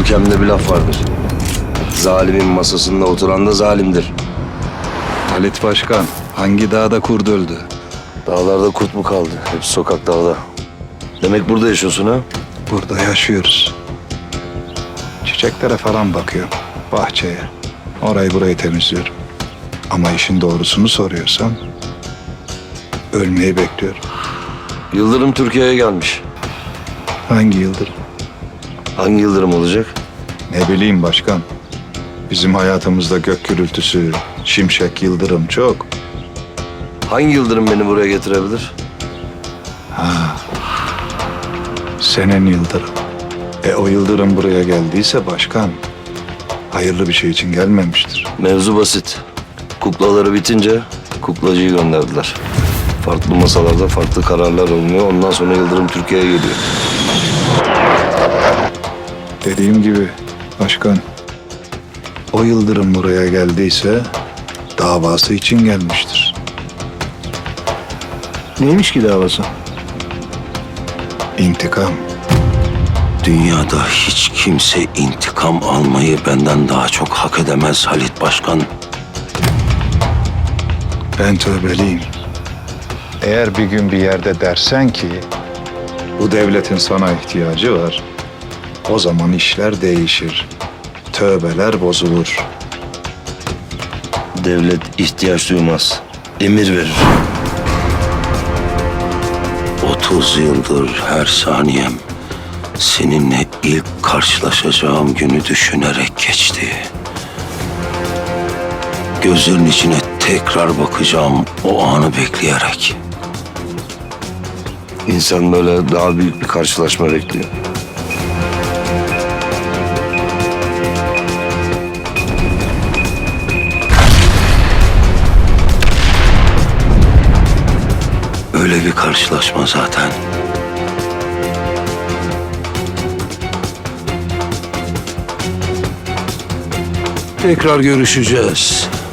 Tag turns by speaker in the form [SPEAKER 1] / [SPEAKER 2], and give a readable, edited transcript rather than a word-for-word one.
[SPEAKER 1] Görkem'de bir laf vardır. Zalimin masasında oturan da zalimdir.
[SPEAKER 2] Halit Başkan hangi dağda kurt öldü?
[SPEAKER 1] Dağlarda kurt mu kaldı? Hep sokaklarda. Demek burada yaşıyorsun ha?
[SPEAKER 2] Burada yaşıyoruz. Çiçeklere falan bakıyorum. Bahçeye. Orayı burayı temizliyorum. Ama işin doğrusunu soruyorsan ölmeyi bekliyorum.
[SPEAKER 1] Yıldırım Türkiye'ye gelmiş.
[SPEAKER 2] Hangi yıldır?
[SPEAKER 1] Hangi Yıldırım olacak?
[SPEAKER 2] Ne bileyim başkan. Bizim hayatımızda gök gürültüsü, şimşek, yıldırım çok.
[SPEAKER 1] Hangi Yıldırım beni buraya getirebilir?
[SPEAKER 2] Senin yıldırım. O yıldırım buraya geldiyse başkan hayırlı bir şey için gelmemiştir.
[SPEAKER 1] Mevzu basit. Kuklaları bitince kuklacıyı gönderdiler. Farklı masalarda farklı kararlar alınıyor. Ondan sonra Yıldırım Türkiye'ye geliyor.
[SPEAKER 2] Dediğim gibi başkan, o yıldırım buraya geldiyse davası için gelmiştir.
[SPEAKER 3] Neymiş ki davası?
[SPEAKER 2] İntikam.
[SPEAKER 4] Dünyada hiç kimse intikam almayı benden daha çok hak edemez Halit Başkan.
[SPEAKER 2] Ben tövbeliyim. Eğer bir gün bir yerde dersen ki bu devletin sana ihtiyacı var, o zaman işler değişir. Tövbeler bozulur.
[SPEAKER 1] Devlet ihtiyaç duymaz. Emir verir.
[SPEAKER 4] 30 yıldır her saniyem seninle ilk karşılaşacağım günü düşünerek geçti. Gözlerin içine tekrar bakacağım o anı bekleyerek.
[SPEAKER 1] İnsan böyle daha büyük bir karşılaşma bekliyor.
[SPEAKER 4] Öyle bir karşılaşma zaten. Tekrar görüşeceğiz.